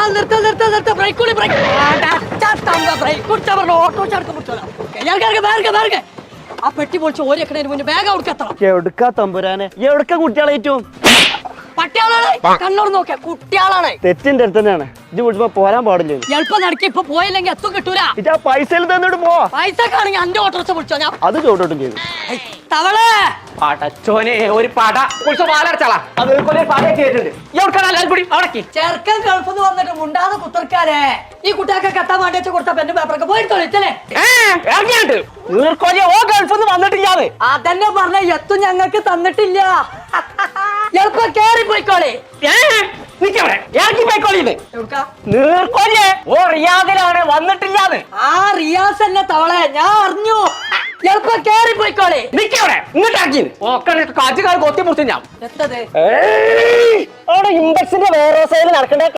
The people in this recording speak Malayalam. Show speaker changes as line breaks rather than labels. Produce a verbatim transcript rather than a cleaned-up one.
നിർത്ത നിർത്ത നിർത്ത ബ്രേക്ക് കൂടി ബ്രേക്ക് ബ്രേക്ക് കുടിച്ചാ പറഞ്ഞു ഓട്ടോ ചടക്കം പിടിച്ചോളാം. ആ പെട്ടി പൊളിച്ച് ഓരിക്കണേന് മുന്നേ വേഗം അവിടെ എത്തണം.
എവിടുക്കാ തമ്പുരാനെ, എവിടുക്ക കുട്ടികളേറ്റവും
പട്ടിയാളാണ് കണ്ണൂർ നോക്കിയ കുട്ടിയാളാണ്.
തെറ്റിന്റെ അടുത്ത് തന്നെയാണ്. ഇത് വിളിച്ചപ്പോ പോരാൻ പാടില്ല.
എളുപ്പം നടക്കി ഇപ്പൊ പോയില്ലെങ്കിൽ എത്തും കിട്ടൂല.
ഇത് ആ പൈസയിൽ തന്നിട്ട് പോ.
പൈസ കാണെങ്കിൽ അന്റെ ഓട്ടോറിക്ഷ വിളിച്ചോ ഞാൻ
അത് ചോട്ടോട്ടും ചെയ്തു.
തവളെ
പടച്ചോനെ ഒരു പട കുളിച്ച പാലടച്ചാളാ അത്
ചെറുക്കൻ ഗൾഫിന്ന് വന്നിട്ട് മുണ്ടാതെ കുത്തർക്കാരെ ഈ കുട്ടിയൊക്കെ കെട്ടാൻ വേണ്ടി കൊടുത്ത പെണ്ണ് പേപ്പറൊക്കെ പോയി തൊളിച്ചല്ലേ
ഓ ഗൾഫിന്ന് വന്നിട്ടില്ലാതെ
അതന്നെ പറഞ്ഞ എത്തും ഞങ്ങൾക്ക് തന്നിട്ടില്ല. എളുപ്പം കേറി പോയിക്കോളെ.
ഓ റിയാദിലാണ് വന്നിട്ടില്ലാതെ.
ആ റിയാസ് എന്നെ തവളെ ഞാൻ അറിഞ്ഞു. എളുപ്പം കേറി പോയിക്കോളെ.
നിക്കവിടെ ഇങ്ങോട്ടാക്കി കാറ്റുകാർ കൊത്തി മുറിച്ച് ഞാൻ
എത്തത്
അവിടെ ഇമ്പക്സിന്റെ വേറെ സൈഡിൽ നടക്കണ്ടേ